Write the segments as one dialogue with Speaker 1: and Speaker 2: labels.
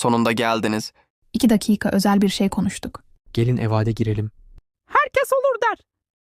Speaker 1: Sonunda geldiniz.
Speaker 2: 2 dakika özel bir şey konuştuk.
Speaker 3: Gelin evade girelim.
Speaker 4: Herkes olur der.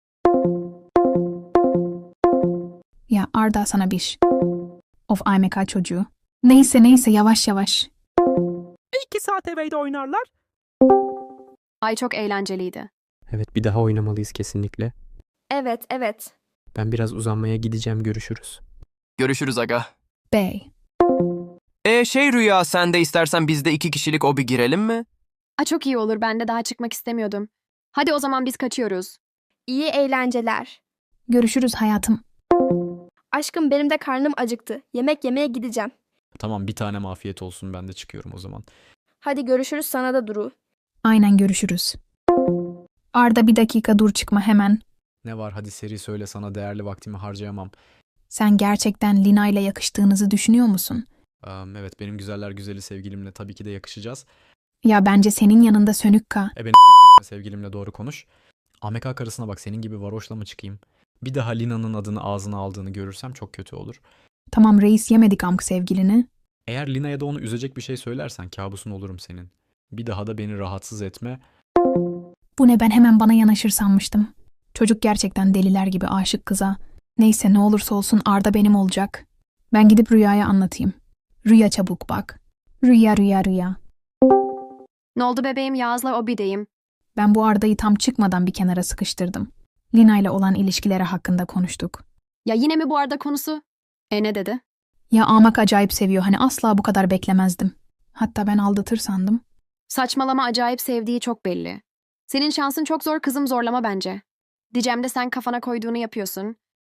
Speaker 2: Ya Arda sana bir Of AMK çocuğu. Neyse yavaş yavaş.
Speaker 4: 2 saat evde oynarlar.
Speaker 5: Ay çok eğlenceliydi.
Speaker 3: Evet, bir daha oynamalıyız kesinlikle.
Speaker 6: Evet.
Speaker 3: Ben biraz uzanmaya gideceğim, görüşürüz.
Speaker 1: Görüşürüz aga.
Speaker 2: Bey.
Speaker 1: Rüya, sen de istersen biz de 2 kişilik obi girelim mi?
Speaker 5: Çok iyi olur, ben de daha çıkmak istemiyordum. Hadi o zaman biz kaçıyoruz.
Speaker 6: İyi eğlenceler.
Speaker 2: Görüşürüz hayatım.
Speaker 6: Aşkım benim de karnım acıktı. Yemek yemeye gideceğim.
Speaker 7: Tamam, bir tane afiyet olsun, ben de çıkıyorum o zaman.
Speaker 6: Hadi görüşürüz sana da Duru.
Speaker 2: Aynen görüşürüz. Arda 1 dakika dur çıkma hemen.
Speaker 7: Ne var, hadi seri söyle, sana değerli vaktimi harcayamam.
Speaker 2: Sen gerçekten Lina ile yakıştığınızı düşünüyor musun?
Speaker 7: Evet, benim güzeller güzeli sevgilimle tabii ki de yakışacağız.
Speaker 2: Ya bence senin yanında sönük
Speaker 7: Beni s**tme, sevgilimle doğru konuş. AMK karısına bak, senin gibi varoşla mı çıkayım? Bir daha Lina'nın adını ağzına aldığını görürsem çok kötü olur.
Speaker 2: Tamam reis, yemedik amk sevgilini.
Speaker 7: Eğer Lina'ya da onu üzecek bir şey söylersen kabusun olurum senin. Bir daha da beni rahatsız etme.
Speaker 2: Bu ne, ben hemen bana yanaşır sanmıştım. Çocuk gerçekten deliler gibi aşık kıza. Neyse ne olursa olsun Arda benim olacak. Ben gidip Rüya'ya anlatayım. Rüya çabuk bak. Rüya.
Speaker 5: Ne oldu bebeğim, Yağız'la obideyim.
Speaker 2: Ben bu Arda'yı tam çıkmadan bir kenara sıkıştırdım. Lina ile olan ilişkileri hakkında konuştuk.
Speaker 5: Ya yine mi bu arada konusu? Ne dedi?
Speaker 2: Ya Amak acayip seviyor, hani asla bu kadar beklemezdim. Hatta ben aldatır sandım.
Speaker 5: Saçmalama, acayip sevdiği çok belli. Senin şansın çok zor kızım, zorlama bence. Diyeceğim de sen kafana koyduğunu yapıyorsun.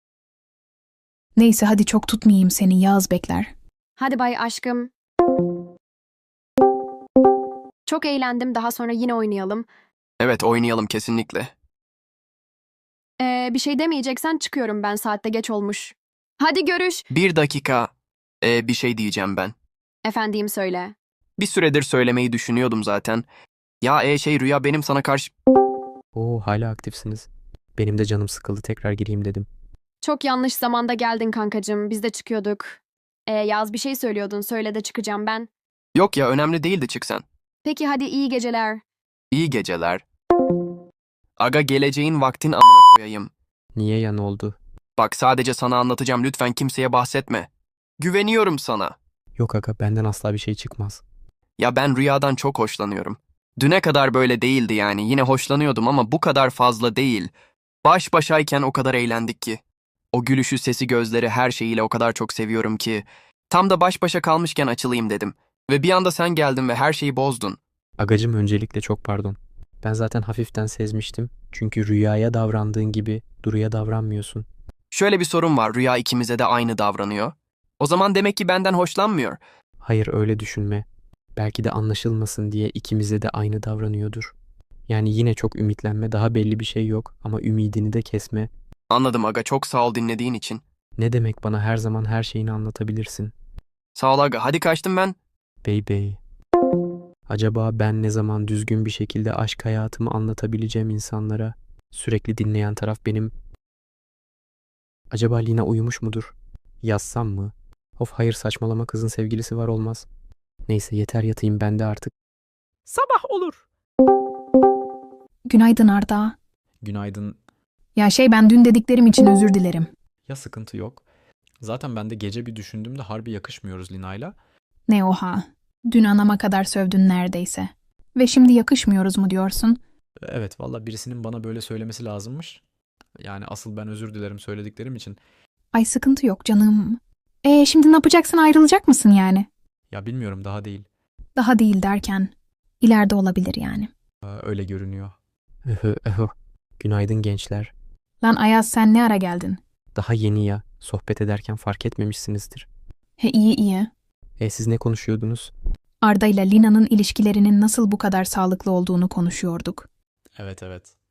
Speaker 2: Neyse hadi çok tutmayayım seni, Yağız bekler.
Speaker 5: Hadi bay aşkım. Çok eğlendim, daha sonra yine oynayalım.
Speaker 1: Evet, oynayalım kesinlikle.
Speaker 5: Bir şey demeyeceksen çıkıyorum ben, saatte geç olmuş. Hadi görüş.
Speaker 1: 1 dakika. Bir şey diyeceğim ben.
Speaker 5: Efendim söyle.
Speaker 1: Bir süredir söylemeyi düşünüyordum zaten. Ya Rüya, benim sana karşı...
Speaker 3: Oo, hala aktifsiniz. Benim de canım sıkıldı, tekrar gireyim dedim.
Speaker 5: Çok yanlış zamanda geldin kankacığım, biz de çıkıyorduk. Yaz bir şey söylüyordun, söyle de çıkacağım ben.
Speaker 1: Yok ya, önemli değil de çık sen.
Speaker 5: Peki hadi, iyi geceler.
Speaker 1: İyi geceler. Aga, geleceğin vaktin amına koyayım.
Speaker 3: Niye ya, ne oldu?
Speaker 1: Bak, sadece sana anlatacağım, lütfen kimseye bahsetme. Güveniyorum sana.
Speaker 3: Yok aga, benden asla bir şey çıkmaz.
Speaker 1: Ya ben Rüya'dan çok hoşlanıyorum. Düne kadar böyle değildi yani. Yine hoşlanıyordum ama bu kadar fazla değil. Baş başayken o kadar eğlendik ki. O gülüşü, sesi, gözleri, her şeyiyle o kadar çok seviyorum ki. Tam da baş başa kalmışken açılayım dedim. Ve bir anda sen geldin ve her şeyi bozdun.
Speaker 3: Agacım, öncelikle çok pardon. Ben zaten hafiften sezmiştim. Çünkü Rüya'ya davrandığın gibi Duru'ya davranmıyorsun.
Speaker 1: Şöyle bir sorun var. Rüya ikimize de aynı davranıyor. O zaman demek ki benden hoşlanmıyor.
Speaker 3: Hayır, öyle düşünme. Belki de anlaşılmasın diye ikimize de aynı davranıyordur. Yani yine çok ümitlenme, daha belli bir şey yok ama ümidini de kesme.
Speaker 1: Anladım aga, çok sağ ol dinlediğin için.
Speaker 3: Ne demek, bana her zaman her şeyini anlatabilirsin.
Speaker 1: Sağ ol aga, hadi kaçtım ben.
Speaker 3: Bey. Acaba ben ne zaman düzgün bir şekilde aşk hayatımı anlatabileceğim insanlara? Sürekli dinleyen taraf benim. Acaba Lina uyumuş mudur? Yazsam mı? Of hayır, saçmalama, kızın sevgilisi var, olmaz. Neyse, yeter yatayım ben de artık.
Speaker 4: Sabah olur.
Speaker 2: Günaydın Arda.
Speaker 7: Günaydın.
Speaker 2: Ya ben dün dediklerim için özür dilerim.
Speaker 7: Ya sıkıntı yok. Zaten ben de gece bir düşündüğümde harbi yakışmıyoruz Lina'yla.
Speaker 2: Ne oha. Dün anama kadar sövdün neredeyse. Ve şimdi yakışmıyoruz mu diyorsun?
Speaker 7: Evet, valla birisinin bana böyle söylemesi lazımmış. Yani asıl ben özür dilerim söylediklerim için.
Speaker 2: Ay sıkıntı yok canım. Şimdi ne yapacaksın, ayrılacak mısın yani?
Speaker 7: Ya bilmiyorum, daha değil.
Speaker 2: Daha değil derken ileride olabilir yani.
Speaker 7: Öyle görünüyor.
Speaker 3: Öhö. Günaydın gençler.
Speaker 2: Lan Ayaz, sen ne ara geldin?
Speaker 3: Daha yeni ya. Sohbet ederken fark etmemişsinizdir.
Speaker 2: He iyi.
Speaker 3: Siz ne konuşuyordunuz?
Speaker 2: Arda ile Lina'nın ilişkilerinin nasıl bu kadar sağlıklı olduğunu konuşuyorduk.
Speaker 7: Evet.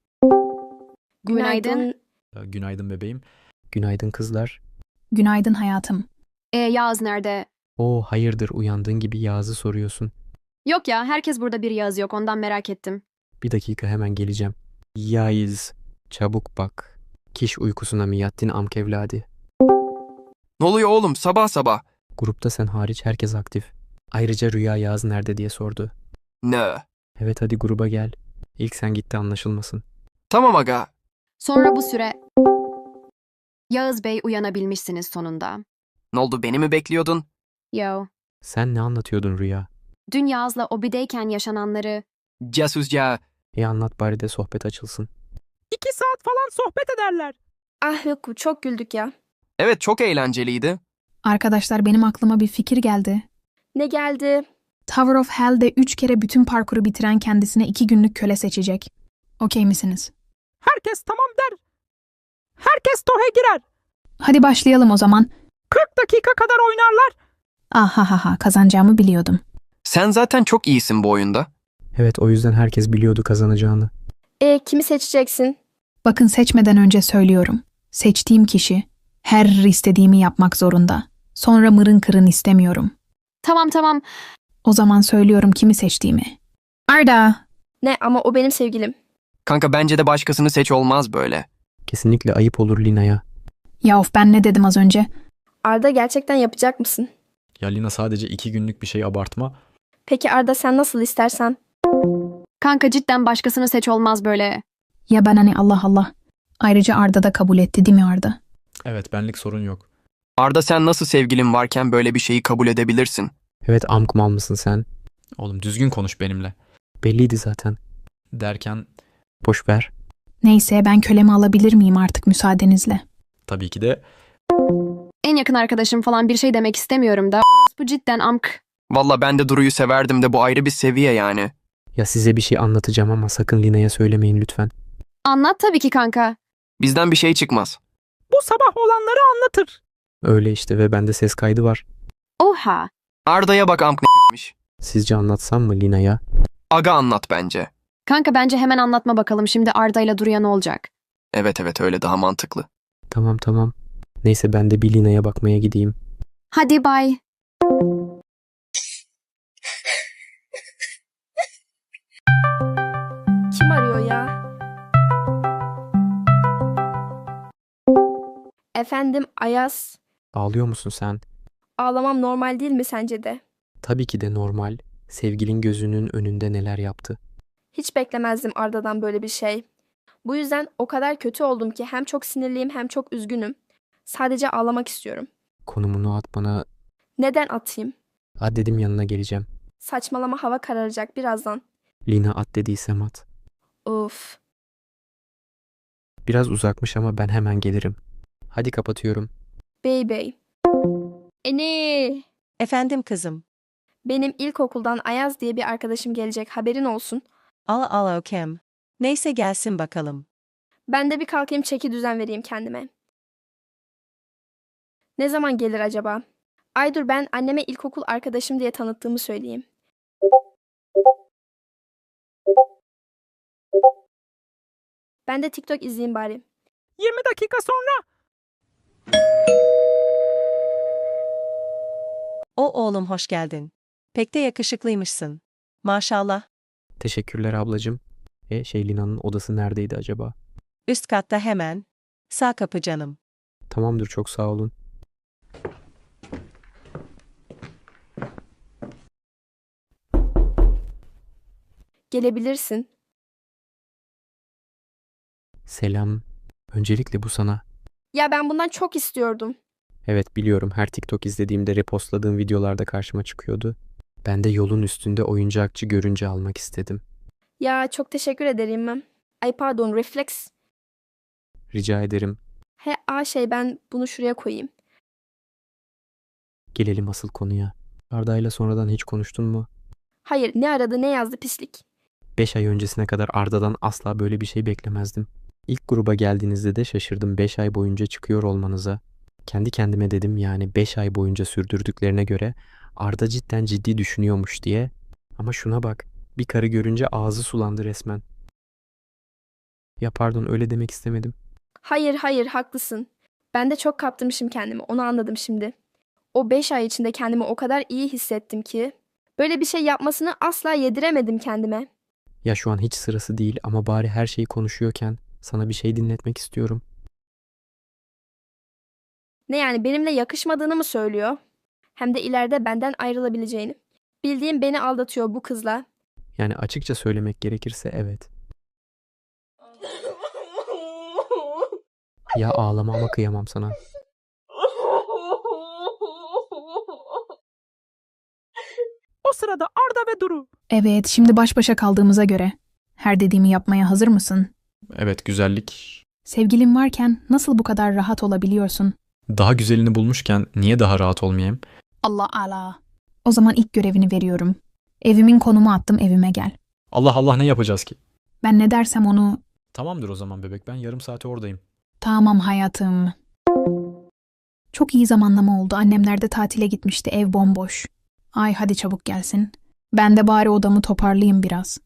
Speaker 5: Günaydın.
Speaker 7: Günaydın bebeğim.
Speaker 3: Günaydın kızlar.
Speaker 2: Günaydın hayatım.
Speaker 5: Yağız nerede?
Speaker 3: Oo, hayırdır, uyandığın gibi Yağız'ı soruyorsun.
Speaker 5: Yok ya, herkes burada, bir Yağız yok, ondan merak ettim.
Speaker 3: Bir dakika, hemen geleceğim. Yağız, çabuk bak. Kiş uykusuna mı yattın amk evladı?
Speaker 1: Ne oluyor oğlum, sabah sabah?
Speaker 3: Grupta sen hariç herkes aktif. Ayrıca Rüya Yağız nerede diye sordu.
Speaker 1: Ne?
Speaker 3: Evet hadi gruba gel. İlk sen gitti anlaşılmasın.
Speaker 1: Tamam aga.
Speaker 5: Sonra bu süre... Yağız Bey uyanabilmişsiniz sonunda.
Speaker 1: Ne oldu, beni mi bekliyordun?
Speaker 5: Yo.
Speaker 3: Sen ne anlatıyordun Rüya?
Speaker 5: Dün Yağız'la obideyken yaşananları...
Speaker 1: Casusca.
Speaker 3: Anlat bari de sohbet açılsın.
Speaker 4: 2 saat falan sohbet ederler.
Speaker 6: Ah yok çok güldük ya.
Speaker 1: Evet, çok eğlenceliydi.
Speaker 2: Arkadaşlar benim aklıma bir fikir geldi.
Speaker 6: Ne geldi?
Speaker 2: Tower of Hell'de 3 kere bütün parkuru bitiren kendisine 2 günlük köle seçecek. Okey misiniz?
Speaker 4: Herkes tamam der. Herkes tohe girer.
Speaker 2: Hadi başlayalım o zaman.
Speaker 4: 40 dakika kadar oynarlar.
Speaker 2: Ahahaha, kazanacağımı biliyordum.
Speaker 1: Sen zaten çok iyisin bu oyunda.
Speaker 3: Evet o yüzden herkes biliyordu kazanacağını.
Speaker 6: Kimi seçeceksin?
Speaker 2: Bakın seçmeden önce söylüyorum. Seçtiğim kişi her istediğimi yapmak zorunda. Sonra mırın kırın istemiyorum.
Speaker 5: Tamam.
Speaker 2: O zaman söylüyorum kimi seçtiğimi. Arda!
Speaker 6: Ne ama o benim sevgilim.
Speaker 1: Kanka bence de başkasını seç, olmaz böyle.
Speaker 3: Kesinlikle ayıp olur Lina'ya.
Speaker 2: Ya of, ben ne dedim az önce?
Speaker 6: Arda gerçekten yapacak mısın?
Speaker 7: Ya Lina sadece 2 günlük bir şey abartma.
Speaker 6: Peki Arda sen nasıl istersen.
Speaker 5: Kanka cidden başkasını seç, olmaz böyle.
Speaker 2: Ya ben hani Allah Allah. Ayrıca Arda da kabul etti değil mi Arda?
Speaker 7: Evet benlik sorun yok.
Speaker 1: Arda, sen nasıl sevgilin varken böyle bir şeyi kabul edebilirsin?
Speaker 3: Evet amkumal mısın sen?
Speaker 7: Oğlum düzgün konuş benimle.
Speaker 3: Belliydi zaten.
Speaker 7: Derken
Speaker 3: Boş ver.
Speaker 2: Neyse, ben kölemi alabilir miyim artık müsaadenizle?
Speaker 7: tabii ki de
Speaker 5: En yakın arkadaşım falan bir şey demek istemiyorum da. Bu cidden amk.
Speaker 1: Valla ben de Duru'yu severdim de bu ayrı bir seviye yani.
Speaker 3: Ya size bir şey anlatacağım ama sakın Lina'ya söylemeyin lütfen.
Speaker 5: Anlat tabii ki kanka.
Speaker 1: Bizden bir şey çıkmaz.
Speaker 4: Bu sabah olanları anlatır.
Speaker 3: Öyle işte ve bende ses kaydı var.
Speaker 5: Oha.
Speaker 1: Arda'ya bak, amk ne gitmiş.
Speaker 3: Sizce anlatsam mı Lina'ya?
Speaker 1: Aga anlat bence.
Speaker 5: Kanka bence hemen anlatma bakalım, şimdi Arda ile Duru'ya ne olacak?
Speaker 1: Evet öyle daha mantıklı.
Speaker 3: Tamam. Neyse ben de bir Lina'ya bakmaya gideyim.
Speaker 5: Hadi bay.
Speaker 6: Kim arıyor ya? Efendim Ayaz.
Speaker 3: Ağlıyor musun sen?
Speaker 6: Ağlamam normal değil mi sence de?
Speaker 3: Tabii ki de normal. Sevgilin gözünün önünde neler yaptı.
Speaker 6: Hiç beklemezdim Arda'dan böyle bir şey. Bu yüzden o kadar kötü oldum ki hem çok sinirliyim hem çok üzgünüm. Sadece ağlamak istiyorum.
Speaker 3: Konumunu at bana.
Speaker 6: Neden atayım?
Speaker 3: At dedim yanına geleceğim.
Speaker 6: Saçmalama, hava kararacak birazdan.
Speaker 3: Lina at dediysem at.
Speaker 6: Of.
Speaker 3: Biraz uzakmış ama ben hemen gelirim. Hadi kapatıyorum.
Speaker 6: Baby. Eni.
Speaker 8: Efendim kızım.
Speaker 6: Benim ilkokuldan Ayaz diye bir arkadaşım gelecek, haberin olsun.
Speaker 8: Al Okem. Neyse gelsin bakalım.
Speaker 6: Ben de bir kalkayım, çeki düzen vereyim kendime. Ne zaman gelir acaba? Ay dur, ben anneme ilkokul arkadaşım diye tanıttığımı söyleyeyim. Ben de TikTok izleyeyim bari.
Speaker 4: 20 dakika sonra.
Speaker 8: Oğlum hoş geldin. Pek de yakışıklıymışsın. Maşallah.
Speaker 3: Teşekkürler ablacığım. Lina'nın odası neredeydi acaba?
Speaker 8: Üst katta hemen. Sağ kapı canım.
Speaker 3: Tamamdır çok sağ olun.
Speaker 6: Gelebilirsin.
Speaker 3: Selam. Öncelikle bu sana.
Speaker 6: Ya ben bundan çok istiyordum.
Speaker 3: Evet biliyorum her TikTok izlediğimde repostladığım videolarda karşıma çıkıyordu. Ben de yolun üstünde oyuncakçı görünce almak istedim.
Speaker 6: Ya çok teşekkür ederim. Ay pardon, refleks.
Speaker 3: Rica ederim.
Speaker 6: Ben bunu şuraya koyayım.
Speaker 3: Gelelim asıl konuya. Arda'yla sonradan hiç konuştun mu?
Speaker 6: Hayır, ne aradı ne yazdı pislik.
Speaker 3: 5 ay öncesine kadar Arda'dan asla böyle bir şey beklemezdim. İlk gruba geldiğinizde de şaşırdım 5 ay boyunca çıkıyor olmanıza. Kendi kendime dedim yani 5 ay boyunca sürdürdüklerine göre Arda cidden ciddi düşünüyormuş diye. Ama şuna bak, bir karı görünce ağzı sulandı resmen. Ya pardon öyle demek istemedim.
Speaker 6: Hayır haklısın. Ben de çok kaptırmışım kendimi, onu anladım şimdi. O 5 ay içinde kendimi o kadar iyi hissettim ki. Böyle bir şey yapmasını asla yediremedim kendime.
Speaker 3: Ya şu an hiç sırası değil ama bari her şeyi konuşuyorken sana bir şey dinletmek istiyorum.
Speaker 6: Ne yani, benimle yakışmadığını mı söylüyor? Hem de ileride benden ayrılabileceğini. Bildiğim beni aldatıyor bu kızla.
Speaker 3: Yani açıkça söylemek gerekirse evet. Ya ağlama ama kıyamam sana.
Speaker 4: O sırada Arda ve Duru.
Speaker 2: Evet, şimdi baş başa kaldığımıza göre. Her dediğimi yapmaya hazır mısın?
Speaker 7: Evet, güzellik.
Speaker 2: Sevgilin varken nasıl bu kadar rahat olabiliyorsun?
Speaker 7: Daha güzelini bulmuşken niye daha rahat olmayayım?
Speaker 2: Allah Allah. O zaman ilk görevini veriyorum. Evimin konumu attım, evime gel.
Speaker 7: Allah Allah, ne yapacağız ki?
Speaker 2: Ben ne dersem onu...
Speaker 7: Tamamdır o zaman bebek, ben yarım saate oradayım.
Speaker 2: Tamam hayatım. Çok iyi zamanlama oldu. Annemler de tatile gitmişti. Ev bomboş. Ay hadi çabuk gelsin. Ben de bari odamı toparlayayım biraz.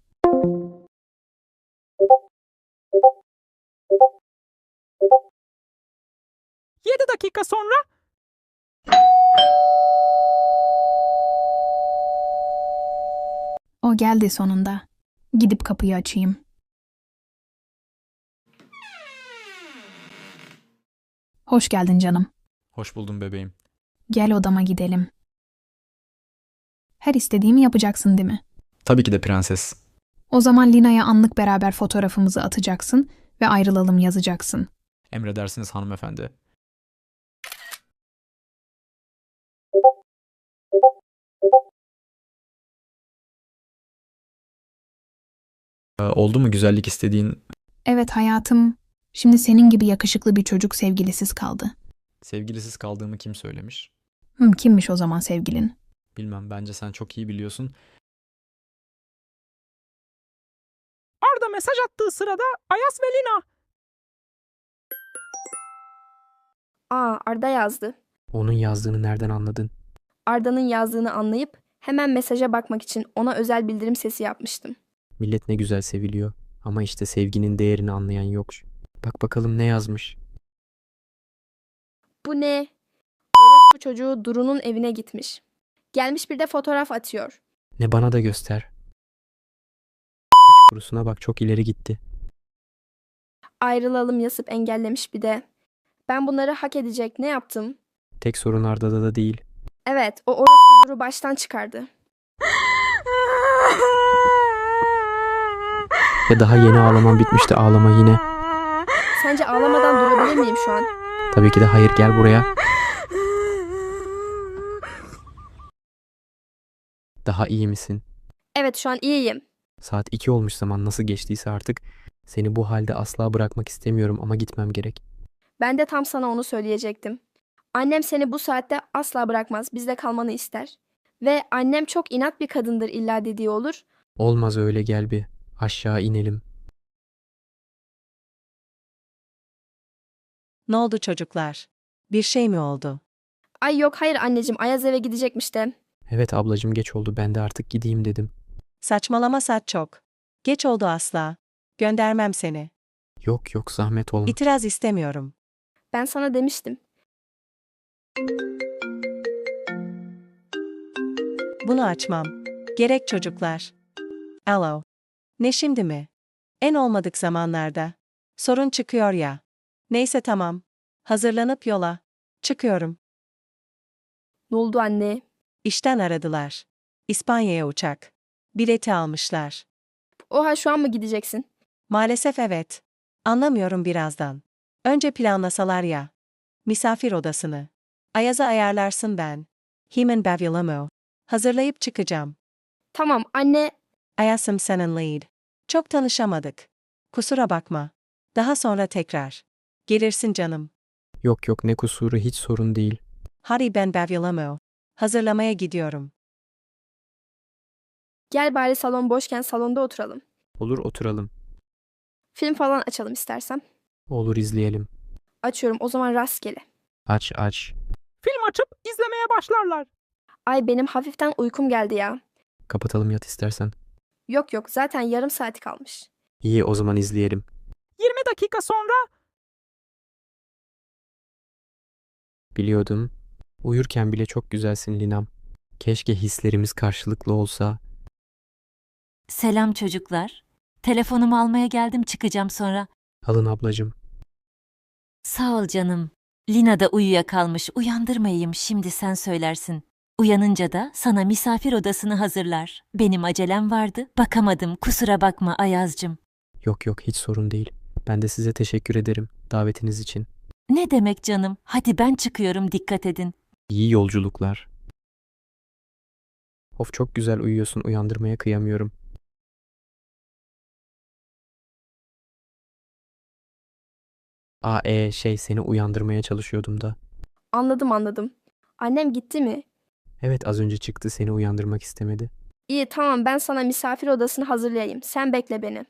Speaker 4: Yedi dakika sonra
Speaker 2: O geldi sonunda. Gidip kapıyı açayım. Hoş geldin canım.
Speaker 7: Hoş buldum bebeğim.
Speaker 2: Gel odama gidelim. Her istediğimi yapacaksın değil mi?
Speaker 7: Tabii ki de prenses.
Speaker 2: O zaman Lina'ya anlık beraber fotoğrafımızı atacaksın ve ayrılalım yazacaksın.
Speaker 7: Emredersiniz hanımefendi. Oldu mu güzellik istediğin?
Speaker 2: Evet hayatım. Şimdi senin gibi yakışıklı bir çocuk sevgilisiz kaldı.
Speaker 7: Sevgilisiz kaldığımı kim söylemiş?
Speaker 2: Kimmiş o zaman sevgilin?
Speaker 7: Bilmem, bence sen çok iyi biliyorsun.
Speaker 4: Arda mesaj attığı sırada Ayaz ve Lina.
Speaker 6: Arda yazdı.
Speaker 3: Onun yazdığını nereden anladın?
Speaker 6: Arda'nın yazdığını anlayıp hemen mesaja bakmak için ona özel bildirim sesi yapmıştım.
Speaker 3: Millet ne güzel seviliyor. Ama işte sevginin değerini anlayan yok. Bak bakalım ne yazmış.
Speaker 6: Bu ne? Bu çocuğu Duru'nun evine gitmiş. Gelmiş bir de fotoğraf atıyor.
Speaker 3: Ne, bana da göster. Piç kurusuna bak, çok ileri gitti.
Speaker 6: Ayrılalım yazıp engellemiş bir de. Ben bunları hak edecek ne yaptım?
Speaker 3: Tek sorun Arda'da da değil.
Speaker 6: Evet, o orospu Duru baştan çıkardı.
Speaker 3: Ya daha yeni ağlamam bitmişti, ağlama yine.
Speaker 6: Sence ağlamadan durabilir miyim şu an?
Speaker 3: Tabii ki de hayır, gel buraya. Daha iyi misin?
Speaker 6: Evet, şu an iyiyim.
Speaker 3: Saat 2 olmuş, zaman nasıl geçtiyse artık. Seni bu halde asla bırakmak istemiyorum ama gitmem gerek.
Speaker 6: Ben de tam sana onu söyleyecektim. Annem seni bu saatte asla bırakmaz, bizde kalmanı ister. Ve annem çok inat bir kadındır illa dediği olur.
Speaker 3: Olmaz öyle, gel bir. Aşağı inelim.
Speaker 8: Ne oldu çocuklar? Bir şey mi oldu?
Speaker 6: Ay yok hayır anneciğim, Ayaz eve gidecekmiş de.
Speaker 3: Evet ablacığım, geç oldu, ben de artık gideyim dedim.
Speaker 8: Saçmalama saat çok. Geç oldu asla. Göndermem seni.
Speaker 3: Yok yok, zahmet olma.
Speaker 8: İtiraz istemiyorum.
Speaker 6: Ben sana demiştim.
Speaker 8: Bunu açmam. Gerek çocuklar. Alo. Ne şimdi mi? En olmadık zamanlarda. Sorun çıkıyor ya. Neyse tamam. Hazırlanıp yola. Çıkıyorum.
Speaker 6: Ne oldu anne?
Speaker 8: İşten aradılar. İspanya'ya uçak. Bileti almışlar.
Speaker 6: Oha, şu an mı gideceksin?
Speaker 8: Maalesef evet. Anlamıyorum birazdan. Önce planlasalar ya. Misafir odasını. Ayaz'a ayarlarsın ben. Hemen Bavilamo. Hazırlayıp çıkacağım.
Speaker 6: Tamam anne.
Speaker 8: Ayasım senin lead. Çok tanışamadık. Kusura bakma. Daha sonra tekrar. Gelirsin canım.
Speaker 3: Yok yok, ne kusuru, hiç sorun değil.
Speaker 8: Hadi ben Bavilamo. Hazırlamaya gidiyorum.
Speaker 6: Gel bari salon boşken salonda oturalım.
Speaker 3: Olur, oturalım.
Speaker 6: Film falan açalım istersen.
Speaker 3: Olur, izleyelim.
Speaker 6: Açıyorum o zaman rastgele.
Speaker 3: Aç aç.
Speaker 4: Film açıp izlemeye başlarlar.
Speaker 6: Ay benim hafiften uykum geldi ya.
Speaker 3: Kapatalım, yat istersen.
Speaker 6: Yok yok, zaten yarım saati kalmış.
Speaker 3: İyi, o zaman izleyelim.
Speaker 4: 20 dakika sonra
Speaker 3: Biliyordum. Uyurken bile çok güzelsin Linam. Keşke hislerimiz karşılıklı olsa.
Speaker 9: Selam çocuklar. Telefonumu almaya geldim, çıkacağım sonra.
Speaker 3: Alın ablacığım.
Speaker 9: Sağ ol canım. Lina da uyuyakalmış. Uyandırmayayım, şimdi sen söylersin. Uyanınca da sana misafir odasını hazırlar. Benim acelem vardı, bakamadım. Kusura bakma Ayaz'cığım.
Speaker 3: Yok yok, hiç sorun değil. Ben de size teşekkür ederim davetiniz için.
Speaker 9: Ne demek canım? Hadi ben çıkıyorum, dikkat edin.
Speaker 3: İyi yolculuklar. Of, çok güzel uyuyorsun, uyandırmaya kıyamıyorum. Seni uyandırmaya çalışıyordum da.
Speaker 6: Anladım. Annem gitti mi?
Speaker 3: Evet, az önce çıktı, seni uyandırmak istemedi.
Speaker 6: İyi tamam, ben sana misafir odasını hazırlayayım. Sen bekle beni.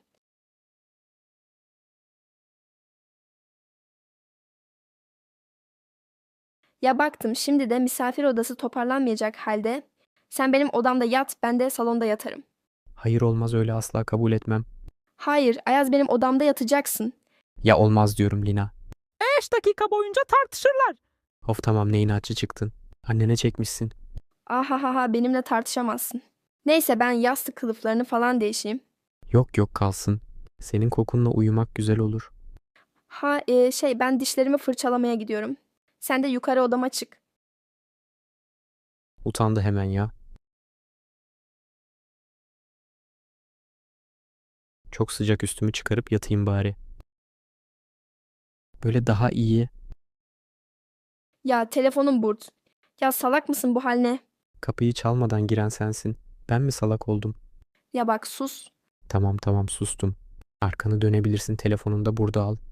Speaker 6: Ya baktım şimdi de misafir odası toparlanmayacak halde. Sen benim odamda yat, ben de salonda yatarım.
Speaker 3: Hayır, olmaz, öyle asla kabul etmem.
Speaker 6: Hayır, Ayaz benim odamda yatacaksın.
Speaker 3: Ya olmaz diyorum Lina.
Speaker 4: 5 dakika boyunca tartışırlar.
Speaker 3: Of tamam, ne inatçı çıktın. Annene çekmişsin.
Speaker 6: Ahahaha, benimle tartışamazsın. Neyse ben yastık kılıflarını falan değişeyim.
Speaker 3: Yok yok, kalsın. Senin kokunla uyumak güzel olur.
Speaker 6: Ben dişlerimi fırçalamaya gidiyorum. Sen de yukarı odama çık.
Speaker 3: Utandı hemen ya. Çok sıcak, üstümü çıkarıp yatayım bari. Böyle daha iyi.
Speaker 6: Ya telefonum burt. Ya salak mısın bu haline?
Speaker 3: Kapıyı çalmadan giren sensin. Ben mi salak oldum?
Speaker 6: Ya bak sus.
Speaker 3: Tamam sustum. Arkanı dönebilirsin, telefonunu da burada al.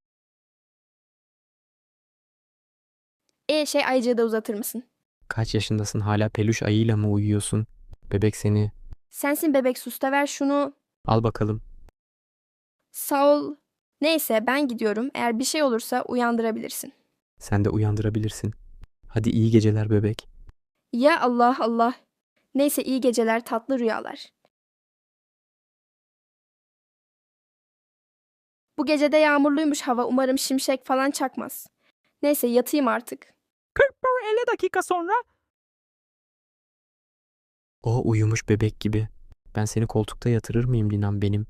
Speaker 6: Ayıcığı da uzatır mısın?
Speaker 3: Kaç yaşındasın, hala peluş ayıyla mı uyuyorsun? Bebek seni.
Speaker 6: Sensin bebek, sus da ver şunu.
Speaker 3: Al bakalım.
Speaker 6: Sağ ol. Neyse ben gidiyorum. Eğer bir şey olursa uyandırabilirsin.
Speaker 3: Sen de uyandırabilirsin. Hadi iyi geceler bebek.
Speaker 6: Ya Allah Allah. Neyse iyi geceler, tatlı rüyalar. Bu gece de yağmurluymuş hava. Umarım şimşek falan çakmaz. Neyse yatayım artık.
Speaker 4: 50 dakika sonra
Speaker 3: O uyumuş bebek gibi. Ben seni koltukta yatırır mıyım Linam benim?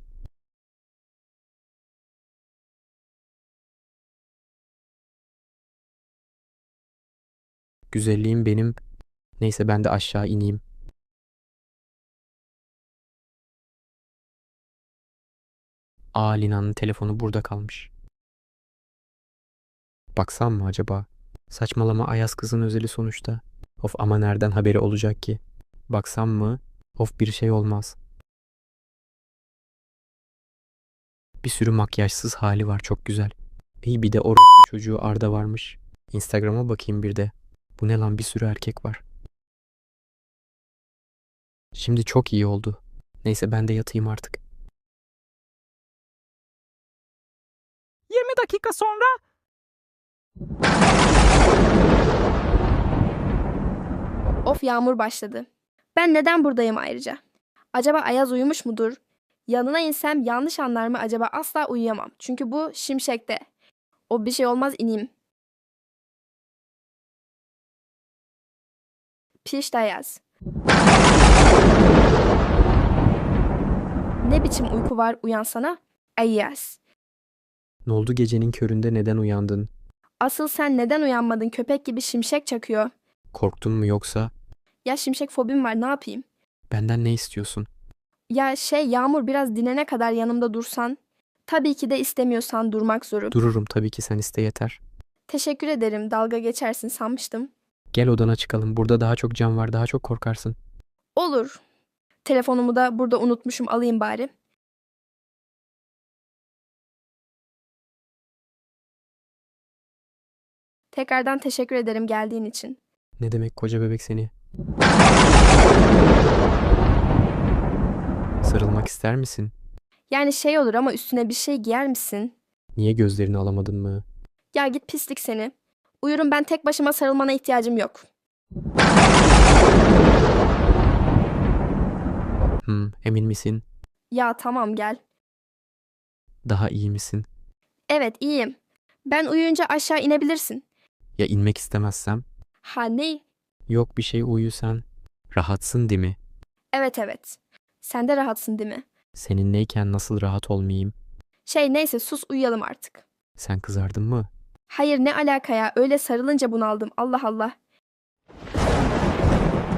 Speaker 3: Güzelliğim benim. Neyse ben de aşağı ineyim. Lina'nın telefonu burada kalmış. Baksam mı acaba? Saçmalama, Ayaz kızın özeli sonuçta. Of, ama nereden haberi olacak ki? Baksam mı? Of, bir şey olmaz. Bir sürü makyajsız hali var, çok güzel. İyi, bir de orospu çocuğu Arda varmış. Instagram'a bakayım bir de. Bu ne lan, bir sürü erkek var. Şimdi çok iyi oldu. Neyse ben de yatayım artık.
Speaker 4: 20 dakika sonra
Speaker 6: Of yağmur başladı. Ben neden buradayım ayrıca? Acaba Ayaz uyumuş mudur? Yanına insem yanlış anlar mı acaba? Asla uyuyamam. Çünkü bu şimşekte. O bir şey olmaz, ineyim. Piş Ayaz. Ne biçim uyku var, uyansana? Ayaz.
Speaker 3: Ne oldu, gecenin köründe neden uyandın?
Speaker 6: Asıl sen neden uyanmadın? Köpek gibi şimşek çakıyor.
Speaker 3: Korktun mu yoksa?
Speaker 6: Ya şimşek fobim var, ne yapayım?
Speaker 3: Benden ne istiyorsun?
Speaker 6: Ya Yağmur, biraz dinene kadar yanımda dursan. Tabii ki de istemiyorsan durmak zorum.
Speaker 3: Dururum tabii ki, sen iste yeter.
Speaker 6: Teşekkür ederim, dalga geçersin sanmıştım.
Speaker 3: Gel odana çıkalım, burada daha çok cam var, daha çok korkarsın.
Speaker 6: Olur. Telefonumu da burada unutmuşum, alayım bari. Tekrardan teşekkür ederim geldiğin için.
Speaker 3: Ne demek, koca bebek seni. Sarılmak ister misin?
Speaker 6: Yani olur ama üstüne bir şey giyer misin?
Speaker 3: Niye, gözlerini alamadın mı?
Speaker 6: Ya git pislik seni. Uyurum ben, tek başıma, sarılmana ihtiyacım yok.
Speaker 3: Emin misin?
Speaker 6: Ya tamam, gel.
Speaker 3: Daha iyi misin?
Speaker 6: Evet, iyiyim. Ben uyuyunca aşağı inebilirsin.
Speaker 3: Ya inmek istemezsem?
Speaker 6: Ha ne?
Speaker 3: Yok bir şey, uyu sen. Rahatsın değil mi?
Speaker 6: Evet. Sen de rahatsın değil mi?
Speaker 3: Seninleyken nasıl rahat olmayayım?
Speaker 6: Neyse sus, uyuyalım artık.
Speaker 3: Sen kızardın mı?
Speaker 6: Hayır, ne alaka ya, öyle sarılınca bunaldım, Allah Allah.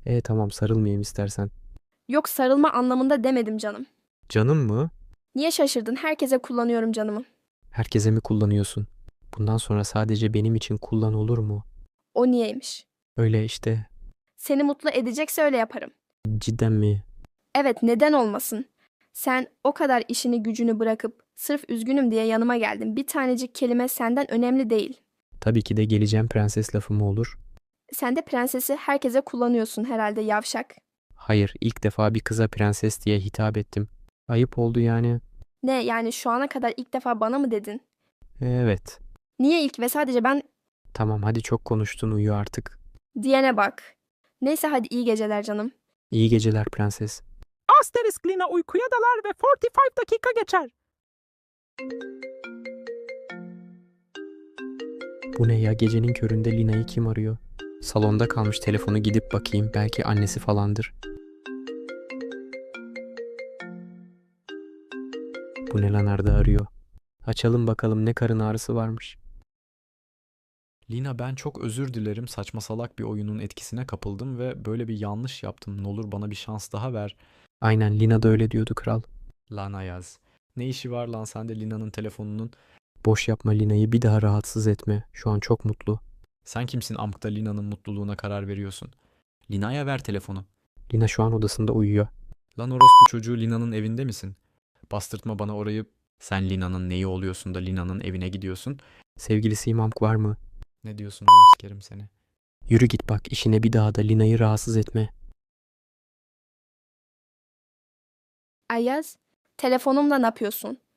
Speaker 3: Tamam sarılmayayım istersen.
Speaker 6: Yok, sarılma anlamında demedim canım.
Speaker 3: Canım mı?
Speaker 6: Niye şaşırdın? Herkese kullanıyorum canımı.
Speaker 3: Herkese mi kullanıyorsun? Bundan sonra sadece benim için kullan olur mu?
Speaker 6: O niyeymiş?
Speaker 3: Öyle işte.
Speaker 6: Seni mutlu edecekse öyle yaparım.
Speaker 3: Cidden mi?
Speaker 6: Evet, neden olmasın? Sen o kadar işini gücünü bırakıp sırf üzgünüm diye yanıma geldin. Bir tanecik kelime senden önemli değil.
Speaker 3: Tabii ki de geleceğim prenses lafı mı olur?
Speaker 6: Sen de prensesi herkese kullanıyorsun herhalde, yavşak.
Speaker 3: Hayır, ilk defa bir kıza prenses diye hitap ettim. Ayıp oldu yani.
Speaker 6: Ne yani, şu ana kadar ilk defa bana mı dedin?
Speaker 3: Evet.
Speaker 6: Niye ilk ve sadece ben
Speaker 3: Tamam hadi çok konuştun uyu artık.
Speaker 6: diyene bak. Neyse, hadi iyi geceler canım.
Speaker 3: İyi geceler prenses.
Speaker 4: Asterisk Lina uykuya dalar ve 45 dakika geçer.
Speaker 3: Bu ne ya, gecenin köründe Lina'yı kim arıyor? Salonda kalmış, telefonu gidip bakayım, belki annesi falandır. Bu ne lan, Arda arıyor. Açalım bakalım ne karın ağrısı varmış.
Speaker 7: Lina ben çok özür dilerim. Saçma salak bir oyunun etkisine kapıldım ve böyle bir yanlış yaptım. Ne olur bana bir şans daha ver.
Speaker 3: Aynen, Lina da öyle diyordu kral.
Speaker 7: Lan Ayaz. Ne işi var lan sende Lina'nın telefonunun?
Speaker 3: Boş yapma, Lina'yı bir daha rahatsız etme. Şu an çok mutlu.
Speaker 7: Sen kimsin amkta Lina'nın mutluluğuna karar veriyorsun? Lina'ya ver telefonu.
Speaker 3: Lina şu an odasında uyuyor.
Speaker 7: Lan orospu çocuğu, Lina'nın evinde misin? Bastırtma bana orayı. Sen Lina'nın neyi oluyorsun da Lina'nın evine gidiyorsun?
Speaker 3: Sevgilisi İmamk var mı?
Speaker 7: Ne diyorsun oğlum, sikerim seni.
Speaker 3: Yürü git bak işine, bir daha da Lina'yı rahatsız etme.
Speaker 6: Ayaz, telefonumla ne yapıyorsun?